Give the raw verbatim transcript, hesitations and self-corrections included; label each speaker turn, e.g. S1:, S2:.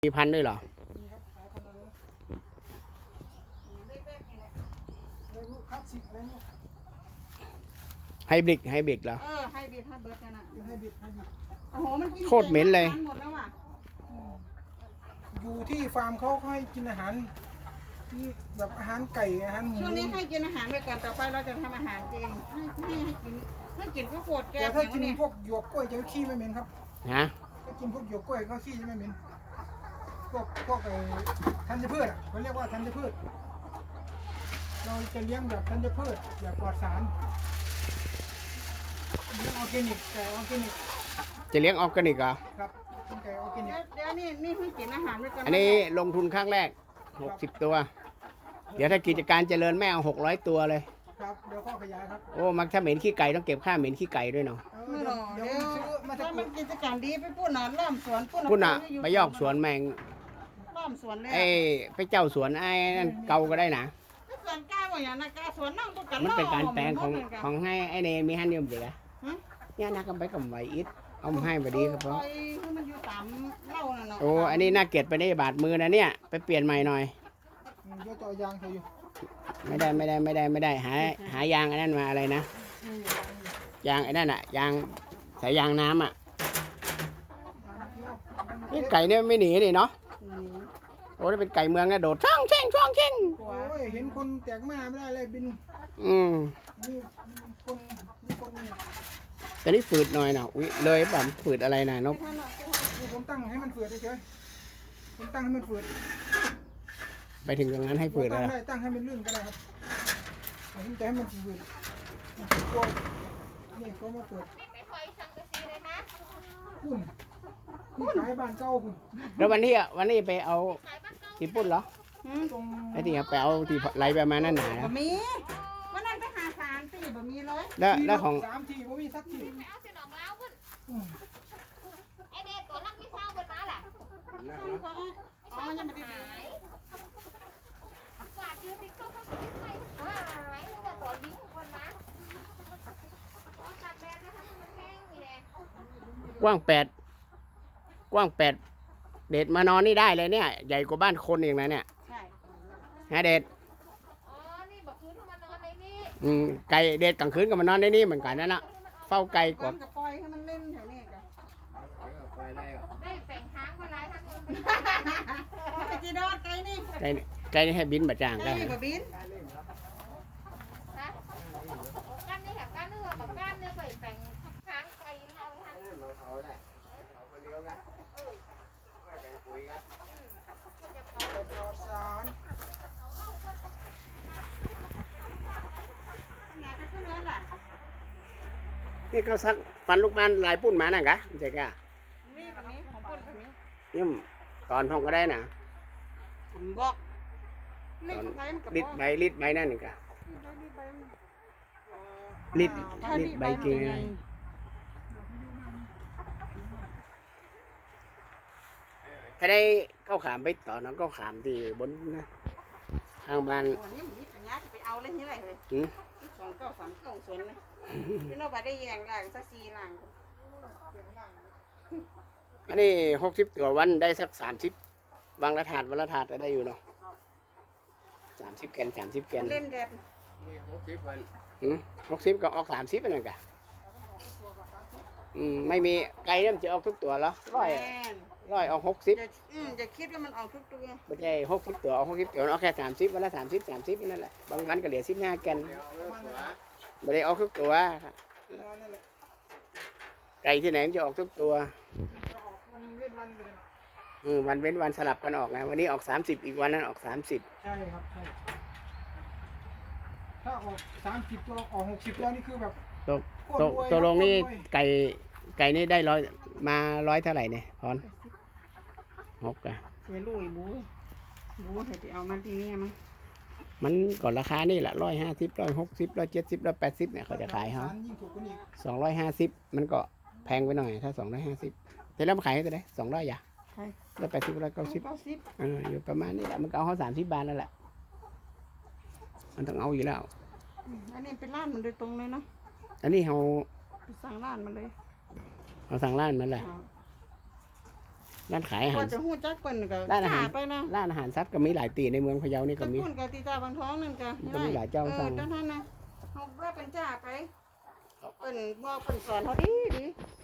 S1: มีพันธุ์ด้วยเหรอไฮบริดไฮบริดเหรอ
S2: เออไฮบริดไฮบริดนั่นน่ะไฮบริดไฮบริดโอ้โหมันกิน
S1: โคตรเหม็นเลย
S2: หมดแล้วอ่ะ
S3: อยู่ที่ฟาร์มเขาให้กินอาหารที่แบบอาหารไก่อาหารหมู
S2: ช่วงนี้ให้กินอาหารไปก่อนต่อไปเราจะทำอาหารเองให้ให้ให้กินให้กินพวกโคตรแก้
S3: แต่
S2: ว
S3: ถ้า
S2: อย่าง
S3: กิน
S2: นี้
S3: พวกหยวกกล้วยจะขี้ไม่เหม็นครับ
S1: ฮะ
S3: ถ้ากินพวกหยวกกล้วยก็ขี้จะไม่เหม็นพวกพวกไอ้ธัญพืชอ่ะเขาเรียกว่าธัญพืชเราจะเลี้ยงแบบธัญพืชแบบปลอดสารเลี้ยงออร์แกนิกไก่ออร์แกนิก
S1: จะเลี้ยงออร์แกนิกเหรอ
S3: ครับเป็นไก่ออร์แกนิก
S2: เดี๋ยวนี่นี่ให้กินอาหารไปก่อน
S1: อันนี้ลงทุนครั้งแรกหกสิบตัว เดี๋ยวถ้ากิจการเจริญแม่เอาหกร้อยตัวเลย
S3: ครับเดี๋ยวข้อขยายครับ
S1: โอ้มักถ้าเหม็นขี้ไก่ต้องเก็บค่าเหม็นขี้ไก่ด้วยเนาะ
S3: เออ
S2: ไม่หร
S3: เดี๋ยว
S2: อก
S3: เดี๋ยว
S2: เดี๋ยว
S3: ซื้อมาจาก
S2: ถ้ามันกิจการดีไปพูดหนอนล้อมสวนพูด
S1: พุ่นอ่ะไปยอกสวนแมง
S2: ล้อมสวนเลย
S1: ไอ้ไปเจ้าสวนไอ้นั่นเกาก็ได้นะ
S2: สวนกล้าว่าอย่างนั้นกล้าสวนนั่งพวกกัน
S1: มันเป็นการแปลงของ
S2: ล้ม
S1: ของให้ไอ้เนมีฮันเดียมเด็กอะเนี่ยนักกันไปกับไหวอิดเอามาให้พอดีครับเพราะ
S2: ปล่อยให้มันอยู่ตามเหล้าน่ะเนาะ
S1: โอ้อันนี้น่าเกลียดไปได้บาดมือนะเนี่ยไปเปลี่ยนใหม่หน่อย
S3: อืมเดี๋ยวจะเอายางใส่อยู่
S1: ไม่ได้ไม่ได้ไม่ได้ไม่ได้หาหายางไอ้นั่นมาอะไรนะยางไอ้นั่นอะยางสายยางน้ำอะนี่ไก่เนี่ยไม่หนีนี่เนาะ
S2: อืม
S1: โอ้ถ้าเป็นไก่เมืองนะโดดช่องเช่งช่องเช่ง
S3: โอ้ยเห็นคนแตกมาไม่ได้เลยบิน
S1: อืม
S3: นี่คนนี่คนนี่
S1: แต่นี่ฝืดหน่อยนะอุ้ยเลยแบบฝืดอะไรนะนก
S3: นี่ผมตั้งให้มันฝืดเฉยๆผมตั้งให้มันฝืด
S1: ไปถึงตรงนั้นให้ฝืด
S3: ตั้
S1: แล้
S3: ง
S1: ว
S3: ได้ตั้งให้มันลื่นก็ได้ครับผมจะให้มันฝืดกลัวนี่ก็มาเปิดคุณนี่ขายบ้านเก่าคุณ
S1: แล้ววันนี้อะวันนี้ไปเอาที่ปุ้นเหรอ
S2: อืม
S3: ตรง
S1: ไอ้ที่ไปเอาที่ไหลไปมานั่นหนา
S2: บะหมี่วันนั้นไปหาสารตีบะหมี่เลย
S1: แล้วแล้วของ
S3: สามทีผมมีสักที
S4: เอาสิน้องเล้าพุ่น
S3: อืม
S4: ไอเด็กตัวลักไม่เศร้าบนมาล่ะ
S2: อ๋อยังไม่ได้
S4: หายกวาดยืนติ๊กต๊อกเขาไม่หายหรือว่าตัวยิงคนมาอ๋อตัดแบนนะคะมันแห้งนี่แหละ
S1: กว้างแปดกว้างแปดเด็ดมานอนนี่ได้เลยเนี่ยใหญ่กว่าบ้านคนเองนะเนี่ย
S2: ใช่
S1: ฮะเด็ด
S4: อ๋อนี่บอกคืนมานอนในนี่
S1: อืมไก่เด็ดกลางคืนก็มานอนในนี่เหมือนกันนั่นแหละเฝ้าไก่ก
S2: ก้อ
S1: ว่า
S2: นกับปล่อยให้มันเล่นแถวนี้กัน
S4: ได้แฝงค้างคนร้ายทั้งคน
S2: ไปจีดอดไกลนี่
S1: ไก่นี่ไก่นี่ให้บินบะจาง
S2: ไกล
S1: ได้
S2: นี่บะบิน
S4: นะกันนี่ค่ะกันเนื้อกับกันเนื้อไปแฝงค้างไปเอาทั้ง
S3: ปลอดสาร
S2: งานก็ขึ้นแล้วล่ะ
S1: นี่เขาซักฟันลูกบ้านลายปุ้นมานั่นกะใช่กะ
S2: นี่บะหมี่ของปุ่นบะหมี่
S1: ยิ่มตอนทองก็ได้นะ
S2: ผมบอกนี่ใครมันกับ
S1: ลิด
S2: บอก
S1: ใบลิดใบนั่นนี่กะ
S2: นี่ใบมัน
S1: ลิด
S2: ถ้า
S1: ลิด
S2: นี่
S1: ใบ
S2: ใบ
S1: จริง
S2: มัน
S1: ไง
S2: ไง
S1: ถ้าได้เข้าขามไปต่อน้องก็ขามที่บนนะทางบ้าน
S2: โอ้นี่มันนี่ปัญญาจะไปเอาเลยนี่ไรเลย
S1: หืม
S2: สองเก้าสามเก้าสวนเลยพี่น้องไปได้แยงได้สักสี่หลัง
S1: อันนี้หกสิบตัววันได้สักสามสิบวางละถาดวันละถาดก็ได้อยู่เนาะสามสิบแกนสามสิบแกน
S2: เล่นแดด
S1: หืมหกสิบก็ออกสามสิบไปนั่นกะอืมไม่มีไก่เนี่ยมันจะออกทุกตัวเหรอร้อย
S2: แม่น
S1: ร้อยออกหกสิบ
S2: จะอืมจะคิดว่ามันออกทุกตัว
S1: ไม่ใช่หกสิบตัวออกหกสิบตัวออกแค่สามสิบวันละสามสิบสามสิบนั่นแหละบางวันก็เหลือสิบห้าแกนไม่ได้ออกทุกตัวครับ
S3: นั่นแหละ
S1: ไก่ที่ไหนมันจะออกทุกตัว
S3: จะออกมันเว้นวันไปเลยนะ
S1: อืมวันเว้นวันสลับกันออกนะวันนี้ออกสามสิบอีกวันนั้นออกสามสิบ
S3: ใช่ครับใช่ถ้าออกสามสิบตัวออกหกสิบตัวนี่คือแบบ
S1: ตก
S3: โคต
S1: ต
S3: ร
S1: ก
S3: รวย
S1: ตัวลงนี่
S3: โคตรรวย
S1: ไก่ไก่นี่ได้ร้อยมาร้อยเท่าไหร่เนี่ยพรหกอะ
S2: เสียลุยบูบูให้ไปเอามาที่นี่มั้ง
S1: มันก่อนราคานี่แหละร้อยห้าสิบร้อยหกสิบร้อยเจ็ดสิบร้อยแปดสิบเนี่ยเขาจะขายเขา
S3: สรยิ่งถูกกว่านี้
S1: สองร้อยห้าสิบมันก็แพงไปหน่อยถ้าสองร้อยห้าสิบแต่แล้วมาขายให้ตัวไหนสองร้อยอย่า
S2: ใช่
S1: ร้อยแปดสิบร้อยเก้าสิบ
S2: เก้าสิบ
S1: เอออยู่ประมาณนี้แหละมันก็เอาเขาสามสิบบาทนั่นแหละมันต้องเอาอยู่แล้ว
S2: อันนี้เป็นร้านมันโดยตรงเลยเนาะ
S1: อันนี้เขา
S2: ไปสั่งร้านมันเลย
S1: เขาสั่งร้านมันแหละ
S2: อ่า
S1: ร้านขายอาหา
S2: ก็
S1: ร
S2: จะหู้จักเปิ้นก็
S1: ร้านอาหาร
S2: จ่ไปนะ
S1: ร้านอาหารสัตว์ก็มีหลายตีในเมืองพะเยานี่ก็
S2: ตะ
S1: มี
S2: กุ่นกับตีตาบางท้องนั่นก็
S1: มันก็มีหลายเจ้าสั่ง
S2: เออเจ้าท่านนะเขาว่าเป็นจ่าไปเปิ้นบอกเปิ้นสอนเขาดีดี